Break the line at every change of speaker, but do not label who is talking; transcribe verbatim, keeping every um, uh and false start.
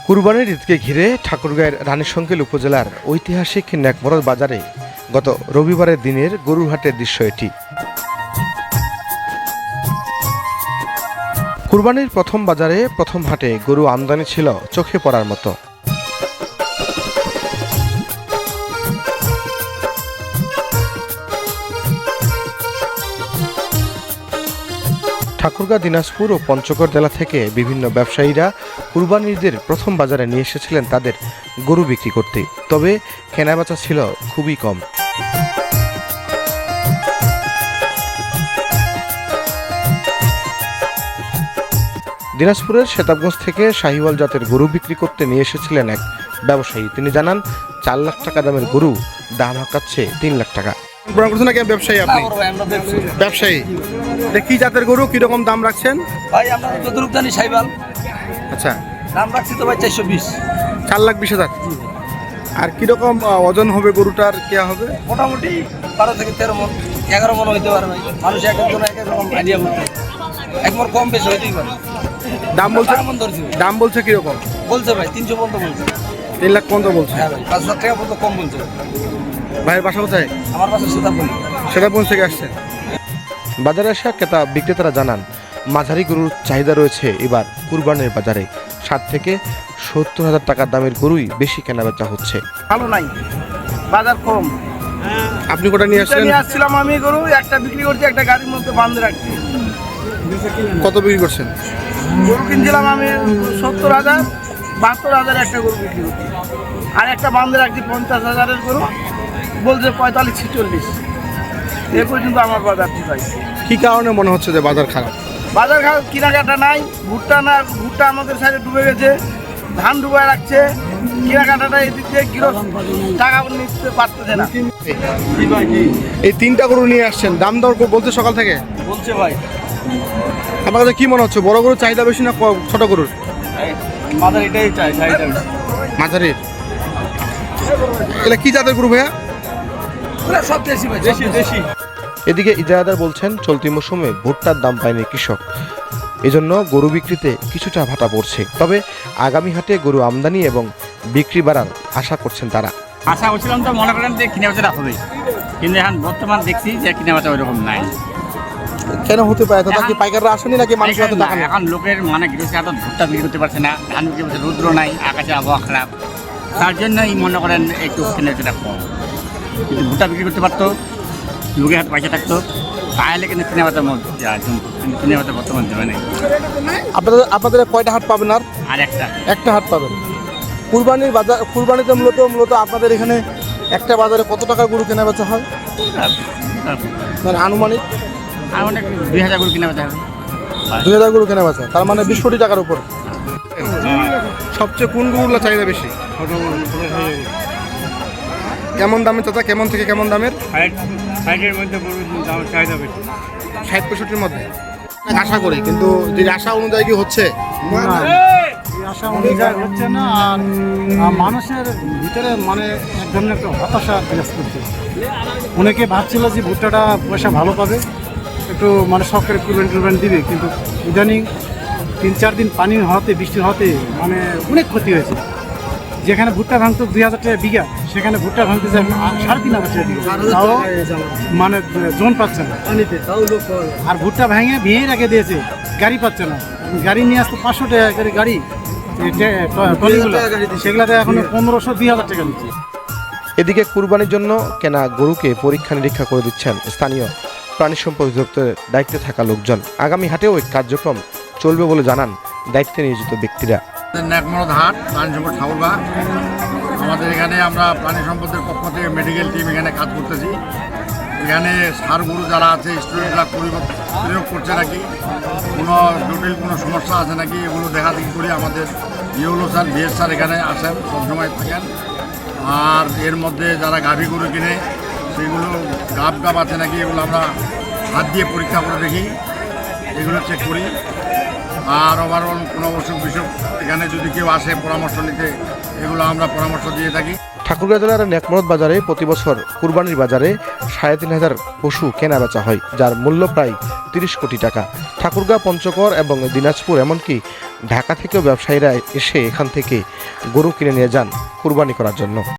কুরবানির ঈদকে ঘিরে ঠাকুরগাঁয়ের রানীশঙ্কেল উপজেলার ঐতিহাসিক নেকমরদ বাজারে গত রবিবারের দিনের গরুর হাটের দৃশ্য এটি। কুরবানির প্রথম বাজারে প্রথম হাটে গরু আমদানি ছিল চোখে পড়ার মতো। ঠাকুরগাঁ, দিনাজপুর ও পঞ্চগড় জেলা থেকে বিভিন্ন ব্যবসায়ীরা কুরবানির ঈদের প্রথম বাজারে নিয়ে এসেছিলেন তাদের গরু বিক্রি করতে, তবে কেনাবেচা ছিল খুবই কম। দিনাজপুরের সেতাবগঞ্জ থেকে শাহিওয়াল জাতের গরু বিক্রি করতে নিয়ে এসেছিলেন এক ব্যবসায়ী। তিনি জানান, চার লাখ টাকা দামের গরু দাম হাঁকাচ্ছে তিন লাখ টাকা। ব্যবসায়ী আপনি? ব্যবসায়ী। কি জাতের গরু, কিরকম দাম রাখছেন?
ভাই আমরা যতটুকু জানি শাহিওয়াল।
আচ্ছা,
দাম রাখছি তো ভাই চারশো বিশ।
চার লাখ বিশ হাজার। আর কিরকম ওজন হবে গরুটার? কেয়া হবে
মোটামুটি বারো থেকে তেরো মন, এগারো মন হইতে পারে ভাই। মানুষ এক একজন এক এক রকম আইডিয়া করতে, এক মন কম বেশি হইতেই পারে।
দাম বলছে কেমন? ধরছি দাম বলছে কিরকম?
বলছে ভাই তিনশো পর্যন্ত বলছে।
তিন লাখ পর্যন্ত বলছে?
হ্যাঁ ভাই, পাঁচ হাজার টাকা পর্যন্ত কম বলছে।
ভাইয়ের বাসা কোথায়?
আমার বাসা সেতাবগঞ্জ।
সেতাবগঞ্জ থেকে আসছেন। বাজারে আসা ক্রেতা বিক্রেতারা জানান, মাঝারি গরুর চাহিদা রয়েছে এবার কুরবানির বাজারে। ষাট থেকে সত্তর হাজার টাকার দামের গরুই বেশি কেনাবেচা হচ্ছে।
ভালো নাই, বাজার কম।
আপনি কোটা নিয়ে আসছেন?
নিয়ে আসছিলাম আমি গরু, একটা বিক্রি করছি, একটা গাড়ির মধ্যে বাঁধে রাখছি।
কত বিক্রি করছেন?
গরু কিনছিলাম আমি সত্তর হাজার, বাহাত্তর হাজার একটা গরু বিক্রি করছি। আর একটা বাঁধে রাখছি পঞ্চাশ হাজারের গরু, বলছে পঁয়তাল্লিশ ছিচল্লিশ। এ পর্যন্ত আমার বাজার ঠিক হয়।
কি কারণে মনে হচ্ছে যে বাজার খারাপ?
বাজার খারাপ, কেনাকাটা নাই। ভুট্টা না, ভুট্টা আমাদের সাইডে ডুবে গেছে, ধান ডুবে রাখছে। কেনাকাটাটা এই দিক থেকে গৃহস্থ টাকা নিতে পারতেছে না।
এই তিনটা গরু নিয়ে আসছেন, দাম দর বলছে সকাল থেকে?
বলছে ভাই।
আমার কাছে কি মনে হচ্ছে, বড় গরুর চাহিদা বেশি না ছোট গরুর?
মাঝারি এটাই চাই, চাহিদা বেশি।
মাঝারির। এটা কি জাতের গরু ভাইয়া?
সব দেশি ভাই, দেশি দেশি।
এদিকে ইজারাদার বলছেন, চলতি মৌসুমে ভুট্টার দাম পায়নি কৃষক, এজন্য গরু বিক্রিতে কিছুটা ভাটা পড়ছে। তবে আগামী হাটে গরু আমদানি এবং বিক্রি বাড়ার আশা করছেন তারা।
আশা করছিলাম তো মনে করেন যে কিনে বেচাটা হবে, কিন্তু এখন বর্তমান দেখছি যে কিনে বেচা ওইরকম নাই।
কেন হতে পারে? তো কি পাইকাররা আসেনি নাকি মানুষের হাতে টাকা নেই?
এখন লোকের মানে গৃহস্থ হাতে ভুট্টা বিক্রি করতে পারছে না, ধান বিক্রি করছে, রৌদ্র নাই, আকাশে আবহাওয়া খারাপ, তার জন্যই মনে করেন একটু কিনে বেচাটা কম। কিন্তু ভুট্টা বিক্রি করতে পারতো, লোকের হাতে পয়সা থাকতো, তাহলে কিন্তু কিনে বেচা কিন্তু কিনে বেচা বর্তমান জমে নেই।
আপনাদের আপনাদের কয়টা হাট পাবেন? আর
আর একটা
একটা হাট পাবেন। কুরবানির বাজার, কুরবানিতে মূলত মূলত আপনাদের এখানে একটা বাজারে কত টাকার গরু কেনা বেচা হয় মানে আনুমানিক?
আর অনেক দুই হাজার গরু কিনে বেচা হবে।
দুই হাজার গরু কেনা বেচা, তার মানে বিশ কোটি টাকার উপর। সবচেয়ে কোন গরুগুলো চাহিদা বেশি? কেমন দামের চাচা? কেমন থেকে কেমন দামের?
ষাটের মধ্যে গরুর দাম চাহিদা বেশি।
ষাট পঁয়ষট্টির মধ্যে আশা করি, কিন্তু যে আশা অনুযায়ী কি হচ্ছে?
আশা অনুযায়ী হচ্ছে না। আর মানুষের ভিতরে মানে এক ধরনের একটা হতাশা বিরাজ করছে। অনেকে ভাবছিল যে ভুট্টাটা পয়সা ভালো পাবে, একটু মানে সরকারি কুরবান টুরবান দিবে, কিন্তু ইদানিং তিন চার দিন পানি হওয়াতে, বৃষ্টির হওয়াতে মানে অনেক ক্ষতি হয়েছে। যেখানে ভুট্টা ভাঙতো দুই হাজার টাকা বিঘা, সেখানে ভুট্টা ভাঙতে যায় সাড়ে তিন হাজার টাকা বিঘা, তাও মানে জোন পাচ্ছে না। আর ভুট্টা ভেঙে ভেঙে রেখে দিয়েছে, গাড়ি পাচ্ছে না। গাড়ি নিয়ে আসতো পাঁচশো টাকা করে গাড়ি, সেগুলাতে এখন পনেরোশো দুই হাজার টাকা নিচ্ছে।
এদিকে কুরবানির জন্য কেনা গরুকে পরীক্ষা নিরীক্ষা করে দিচ্ছেন স্থানীয় প্রাণী সম্পদ অধিদপ্তরের দায়িত্বে থাকা লোকজন। আগামী হাটেও এই কার্যক্রম চলবে বলে জানান দায়িত্বে নিয়োজিত ব্যক্তিরা।
নেকমরদ হাট, প্রাণী সম্পদ ঠাকুরগাঁ। আমাদের এখানে আমরা প্রাণী সম্পদের পক্ষ থেকে মেডিকেল টিম এখানে কাজ করতেছি। এখানে সার গরু যারা আছে, স্টুডেন্টরা প্রয়োগ করছে নাকি, কোনো জটিল কোনো সমস্যা আছে নাকি, এগুলো দেখা দেখি করি। আমাদের ইউলো স্যার, বিএস স্যার এখানে আসেন, সবসময় থাকেন। আর এর মধ্যে যারা গাভী গরু কিনে, সেগুলো গাব গাব আছে নাকি, এগুলো আমরা হাত দিয়ে পরীক্ষা করে দেখি, এগুলো চেক করি। আর ওভারঅল কোনো অসুখ বিসুখ এখানে যদি কেউ আসে পরামর্শ নিতে, এগুলো আমরা পরামর্শ দিয়ে থাকি।
ঠাকুরগাঁ জেলার নেকমরদ বাজারে প্রতি বছর কুরবানির বাজারে সাড়ে তিন হাজার পশু কেনা বেচা হয়, যার মূল্য প্রায় তিরিশ কোটি টাকা। ঠাকুরগাঁও, পঞ্চগড় এবং দিনাজপুর এমনকি ঢাকা থেকেও ব্যবসায়ীরা এসে এখান থেকে গরু কিনে নিয়ে যান কুরবানি করার জন্য।